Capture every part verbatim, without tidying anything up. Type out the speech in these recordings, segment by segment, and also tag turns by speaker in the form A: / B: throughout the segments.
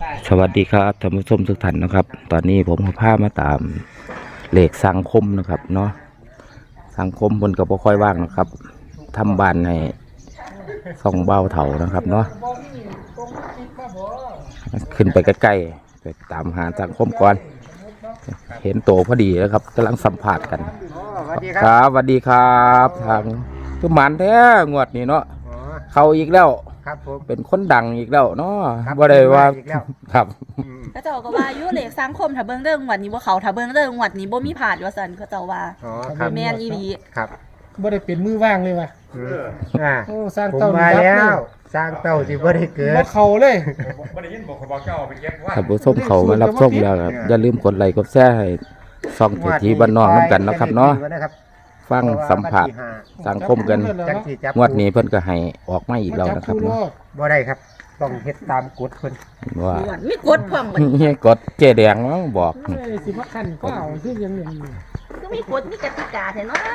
A: สวัสดีครับท่านผู้ชมทุกท่านนะครับ ตอนนี้ผมพามาตามเลขสังคมนะครับเนาะสังคมบนกับบ่ค่อยว่างนะครับทำบ้านให้ส่องเบาเถานะครับเนาะขึ้นไปใกล้ๆไปตามหาสังคมก่อนเห็นโตพอดีแล้วครับกำลังสัมผัสกันครับสวัสดีครับทางทุกหมันแท้งวดนี้เนาะเขาอีกแล้ว
B: ครับผม
A: เป็นคนดังอีกแล้วเนาะบ่ได้ว่าครับ
C: เขาเจ้าก็ว่าอยู่เลขสังคมถ้าเบิ่งเรื่องงวดนี้บ่เขาถ้าเบิ่งเรื่องงวดนี้บ่มีผ่านว่าซั่นเขาเจ้าว่า
B: อ๋อครับ
C: แม่นอีหลี
B: ครับ
D: บ่ได้เป็นมือว่างเลยว่ะ
B: อ่า
D: โอ้สร้าง
B: ผมมา
D: เต้านี่
B: แล้ว
D: รับ
B: สร้างเต้าสิบ่ได้เกิด
D: บ่เข้าเลย
E: บ่ได้ยินบอกเขาบอกเจ้าไปเก็บว่า
A: ถ้าผู้ชมเขามารับชมแล้วครับอย่าลืมกดไลค์กดแชร์ให้ช่องเศรษฐีบ้านนอกน้ำกันนะครับเนาะฟังสัมผัสสังคมกันงวดนี้เพิ่นก็ให้ออกมาอีกแล้วนะครับเนาะ
B: บ่ได้ครับต้องเฮ็ดตามกฎเพิ่น
A: ว่า
C: มีกฎพร้อมบัด
A: นี่กดเจแดงเนาะบอก
D: เอ้ยสิมาคั่นก็เอาคือยังอย่างนี้
C: คือมีกฎมีกติกาแท้เนาะ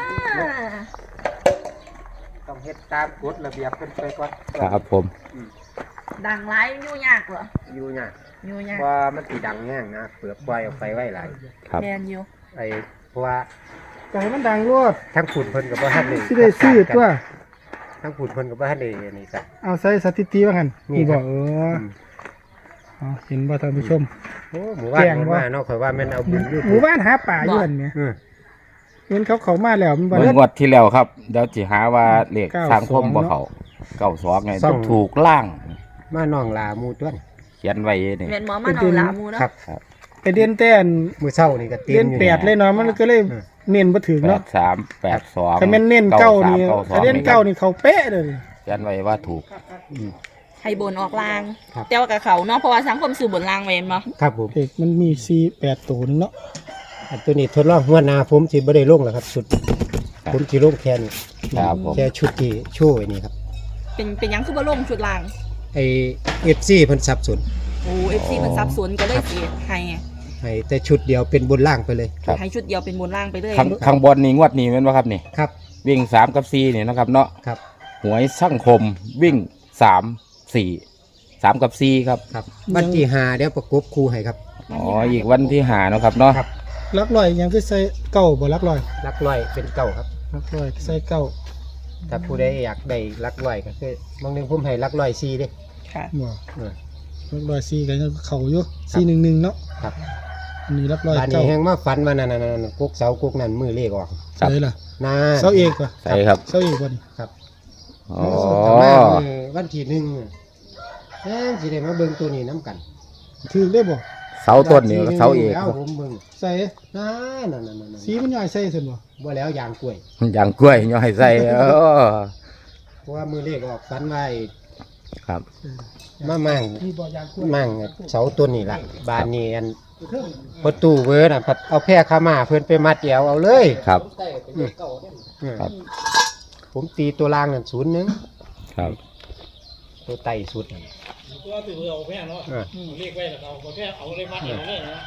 B: ต้องเฮ็ดตามกฎระเบียบเพิ่นไปก่อน
A: ครับผม
C: ดังหลายอยู่ยากเหรอ
B: อยู่ยาก
C: อยู่ยาก
B: ว่ามันสิดังแห้งนะเปลือกปล่อยออกไปไว้หลาย
A: ครับ
C: แม่นอยู่
B: ไอ้เพราะว่า
D: ก็ให้มันดังรวด
B: ทั้งฝุ่นเพิ่นก็บ่ทันได้
D: สิได้ซื้อตัว
B: ทั้งฝุ่นเพิ่นก็บ่ทันได้นี่ครับ
D: เอาใส่สถิติว่างั้น
B: มีบ่
D: เอออ๋อเห็นบ่ท่านผู้ชม
B: โอ้หมู่บ้านมันมาเนาะข่อยว่าแม่นเอาบุญอยู่
D: หมู่บ้านหาป่าอยู่อันเนี้ย
B: อือ
D: เห็นเขาเข้ามาแล้วมันบ่
A: เมื่
D: ได้
A: องวดที่แล้วครับเดี๋ยวสิหาว่าเลขสังคมบ่เขาเก้าสองไงต้องถูกล่าง
B: มาน้องลาหมู่ต้น
A: เขียนไว้นี่
C: แม่นหมอมาเอาหลาหมูเนาะ
B: ครับ
D: ไปเรียนแต่อัน
B: มื้อเช้านี่ก็เต็ม
D: เรียน
B: อยู่
D: แปดเลยเนาะมันก็เลยเน้นบ่ถึง
A: แป
D: เนาะ
A: ดสามแปดสอง
D: ถ้าแม่นเน้นเก้านี่ถ้าเน้นเก้านี่เขาเป๊ะเลย
A: เขียนไว้ว่าถูก
C: ให้บนออกลางแต่ว่ากับเขาเนาะเพราะว่าสังคมสื่อบนลางเว้นบ่
B: ครับผม
D: เด็กมันมีสี่ แปดตัวนึงเนาะ
B: อันตัวนี้ทดลองหัวหน้าผมสิบ่ได้ลงแล้วครับชุดผมสิลงแค่นี้
A: ครับผม
B: แค่ชุดที่โชว์ไว้นี่ครับ
C: เป็นเป็นหยังคือบ่ลงชุดลาง
B: ไอ้ เอฟ ซี เพิ่นสับสน
C: โอ้ เอฟ ซี มันซับซ้อนก็เลยสิให้
B: ให้แต่ชุดเดียวเป็นบนล่างไปเลย
C: ให้ชุดเดียวเป็นบนล่างไปเลย
A: ข้างข้างบนนี่งวดนี้แม่นบ่ครับนี่
B: ครับ
A: วิ่งสามกับสี่นี่นะครับเนาะ
B: ครับ
A: หวยสังคมวิ่งสามสี่สามกับสี่ครับ
B: ครับวันที่ห้าเดี๋ยวประกบคู่ให้ครับ
A: อ๋ออีกวันที่หาเนาะครับเนาะ
B: ครับ
D: ลักลอยยังคือใส่เก้าบ่ลักลอย
B: ลักร้อยเป็นเก้าครับ
D: ลักลอยใส่เก้า
B: ถ้าผู้ใดอยากได้ลักร้อยก็คือบางนึงผมให้ลักร้อยสี่เด้
C: ค่ะ
D: บ่
B: เออ
D: ลักลอยสี่ก็ยังเข้าอยู่สี่หนึ่งหนึ่งเนาะ
B: ครับ
D: อันนี้ลักลอย
B: บ้านนี้
D: เก้า
B: แฮงมาฝันว่านั่นๆๆกุกเสากุกนั่นมือเลขออก
A: ครับ
D: ใส่ล่ะ
B: นะ
D: เสาเอกว่ะ
A: ใช่ครับ
D: เสาเอกบ่นี่
B: ครับ
A: อ๋อ
B: มามื้อวันที่หนึ่งแฮงสิได้มาเบิ่งตัวนี้นํกัน
D: ถือได้บ่
A: เสาต้นนี่เสาเอก
B: แล้วผมเบิ่ง
D: ใส่
B: นั่นๆๆๆ
D: สีมันย่อยใส่ซั่นบ่
B: บ่แล้วยางกล้วย
A: อย่างกล้วยย่อยใส่เออ
B: เพราะว่ามือเลขออกฝันไว้
A: ครับ
B: มามั่ง
D: มีบ่ยางกล้วย
B: มั่งเสาต้นนี่ล่ะบ้านนี้อันประตูเวิร์ดน่ะพัดเอาแพร่ขามาเพิ่นไปมัดแอวเอาเลย
A: ครับ
B: อืม
A: ครับ
B: ผมตีตัวล่างนั่นศูนย์หนึ่ง
A: ครับ
B: ตัวไต่สุดนั่น
D: ตัวถือเอาแพงเนาะ
B: อ่า
D: เลขไว้แล้วเอาแพงเอาเลยมาเอาเลยนะ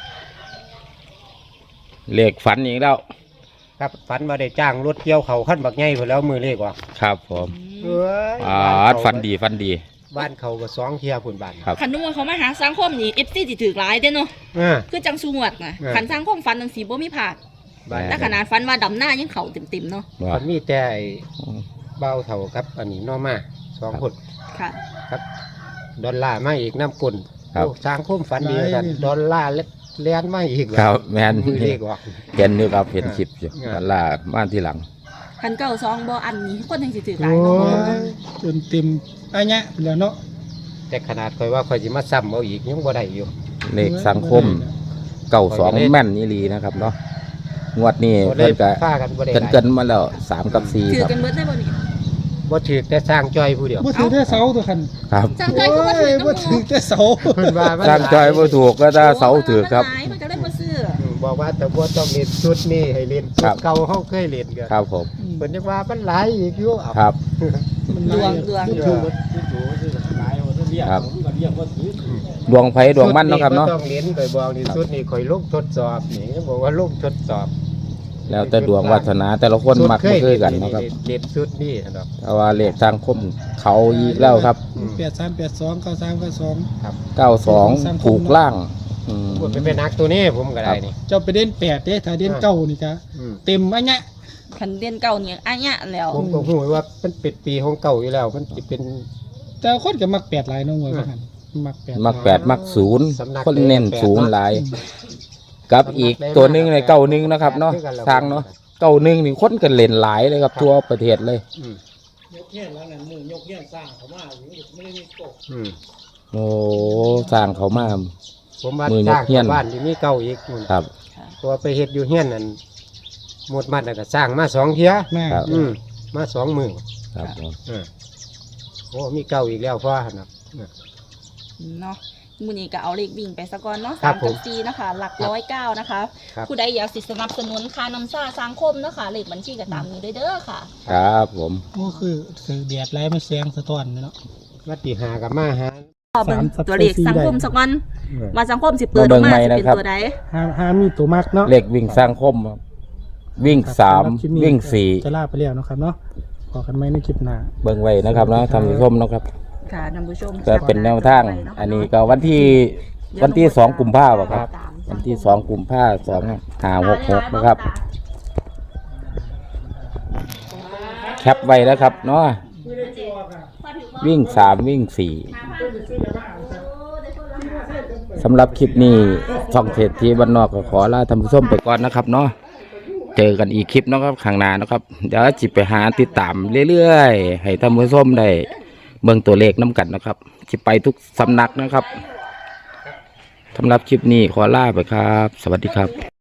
A: เลขฝันอีกแล้ว
B: ครับฝันมาได้จ้างรถเกี่ยวเขาขั้นบักใหญ่พุ่นแล้วมือเลขออก
A: ครับผม
B: เอ้ย
A: อ่าฝันดีฝันดี
B: บ้านเขาก็สองเที่ยพุ่นบ้าน
A: ครับ
C: คันนุ่มเขามาหาสังคมนี่ เอฟ ซี สิถือหลายเด้เนาะ
B: อ่า
C: คือจังสูงวดน่ะ
B: เออ
C: คันสังคมฟันจังสีบ่มีผ่าน
B: บ้าน
C: แต่ขนาดฟันว่าดำหน้ายังเข้าเต็มๆเนาะ
A: ว่า
B: มันมีแต่ไอ้เบ้าเท่าครับ อันนี้น้อมาสองคน
C: ค่ะ
B: ครับดอลลาร์มาอีกน้ำกลน
A: ครับ
B: โอ้สร้างคุ้มฝันดีกันดอลลาร์เลียนมาอีก
A: ครับแมน
B: มือเลขออก
A: เห็นอยู่ครับเห็นคลิปอยู่
B: อ่า
A: ตลาดบ้านที่หลัง
C: คันเก้าซองบ่อันนี้คนจังสิถือหลา
D: โอ้
C: ยเนาะ
D: ยจนเต็มอันเนี้ยแล้วเนาะ
B: แต่ขนาดคอยว่าคอยจะมาซ้ำเอาอีกยังบ่ได้อยู่
A: เลขสังคมเก้าสองแม่นนี่ลีนะครับเนาะงวดนี้
B: บ่ได้
A: เพิ่นก็
B: ฆ่ากันบ่ได้
A: เกิน
B: หลาย
A: เกินมาแล้วสามกับสี่
C: ถือ
A: ครับ
C: กันเบิดได้บ่นี่
B: บ่ถือแต่สร้างจ้อยผู้เดียว
D: บ่ถือแต่เสาตัวคัน
A: ครับ
C: จังใจคือบ่ถือ
D: โอ้ยบ่
C: น้ำ
D: ถือแต่เสา
B: เพิ่นว่ามัน
A: สร้างจอยบ่ถูกก็ถ้าเสาถือครับ
C: มันหลายมันก็เลยบ่ซื้อ
B: อืมบอกว่าแต่บ่ต้องเล่นชุดนี้ให้เล่นชุ
A: ครั
B: ด
A: บ
B: เก่าเฮาเคยเล่นกัน
A: ครับผม
B: เพิ่นจะว่ามันหลายอีกอยู่เอา
A: ครับ
C: ดวงดวง
D: ถูก
A: ครับดวงไผดวงมันเนาะครับเนาะ
B: ต้องเล่นไปบอกนี่ชุดนี้ข่อยลงทดสอบนี่บอกว่าลงทดสอบ
A: แล้วแต่ดวงวาสนาแต่ละคนมักบ่คือกันเนาะครับ
B: เด็ดสุดนี่ครับ
A: แต่ว่าเลขสังคมเขาอีกแล้วครับ
D: แปดสามแปดสองเก้าสามเก้าสอง
A: เก้าสองถูกล่างอืม
B: พูดเป็นนักตัวนี้ผมก็ได้นี่
D: เจ้าไปเด่นแปดเด้ถ้าเด่นเก้านี่ก็
B: อืม
D: เต็มอันเนี้ย
C: คันเรียนเก่าเนี่ยอันเนี้ยแล้ว
B: ผมก็หูว่ามันเป็นปีของเก่าอยู่แล้วมันจะเป็น
D: แต่คนก็มักแปดหลายเน้องมวยว่าหั่นมักแปด
A: มักแปดมักศูนย์
B: สำนัก
A: คนเน้นศูนย์หลาย กับอีกตัวหนึงในเก้าหนึ่งนะครับเนาะสร้างเนาะเก้าหนึ่งนี่คนกันเล่นหลายเลยครับทั่วประเทศเลย
B: อืม
D: ยกเงี้ยแล้วนั่นมือยกเงี้ยสร้างเขามาอยู่ไม่ได้มีโต
B: อืม
A: โอ้สร้างเขามา
B: ผมว่า
A: มือยก
B: สร้าง
A: เฮี้ยน
B: บ้านที่มีเก่าอีกนู่น
A: ครับ
B: ตัวไปเฮ็ดอยู่เฮียนนั่นหมดมัดแล้วก็สร้างมาสองเที่ย
D: แม่
A: ครับ
B: อืมมาสองมือ
A: ครับ
B: อ่าโอ้มีเก่าอีกแล้วพ่อหั่นน่ะ
C: เนาะมื้อนี้ก็เอาเลขวิ่งไปซะก่อนเนาะ
B: ครั
C: สา
B: บ
C: ม
B: ผม
C: กับสี่นะคะหลักร้อยเก้านะคะ
B: ครับ
C: ผู้ใดอยากสิสนับสนุนค่าน้ำซ่าสังคมเนาะค่ะเลขบัญชีก็ตามนี้เด้อค่ะ
A: ครับผม
D: ก็คือคือแดดไล่มันแสงสะท้อนเนาะ
B: วัดที่หากับมาหา
C: ขอเบิ่ง
D: สามสัป
C: ตัวเลข
D: สี่
C: สังคม
D: ได้
C: สักวัน
B: เออ
C: ว่าสังคมสิเปิดออกมาสิเป็นตัวใด
D: หาหามีตัวมักเนาะ
A: เลขวิ่งสร้างคมครับวิ่งสาม
D: สำหรับคลิปนี้
A: วิ่งสี่
D: จะลาไปแล้วเนาะครับเนาะพอกันไหมในคลิปหน้า
A: เบิ่งไว้นะครับเนาะทำผู้ชมเนาะครับ
C: ค่ะท่านผู้ชม
A: ก็เป็นแนวทาง อันนี้ก็วันที่วันที่สองกุมภาพันธ์ครับ วันที่สองกุมภาพันธ์สองห้าหกหกนะครับ แคปไว้แล้วครับเนาะวิ่งสามวิ่งสี่สำหรับคลิปนี้ช่องเศรษฐีบ้านนอกก็ขอลาท่านผู้ชมไปก่อนนะครับเนาะเจอกันอีกคลิปเนาะครับข้างหน้านะครับ เดี๋ยวจิไปหาติดตามเรื่อยๆ ให้ท่านผู้ชมได้เบิ่งตัวเลขน้ำกันนะครับจิไปทุกสำนักนะครับสำหรับคลิปนี้ขอลาไปครับ สวัสดีครับ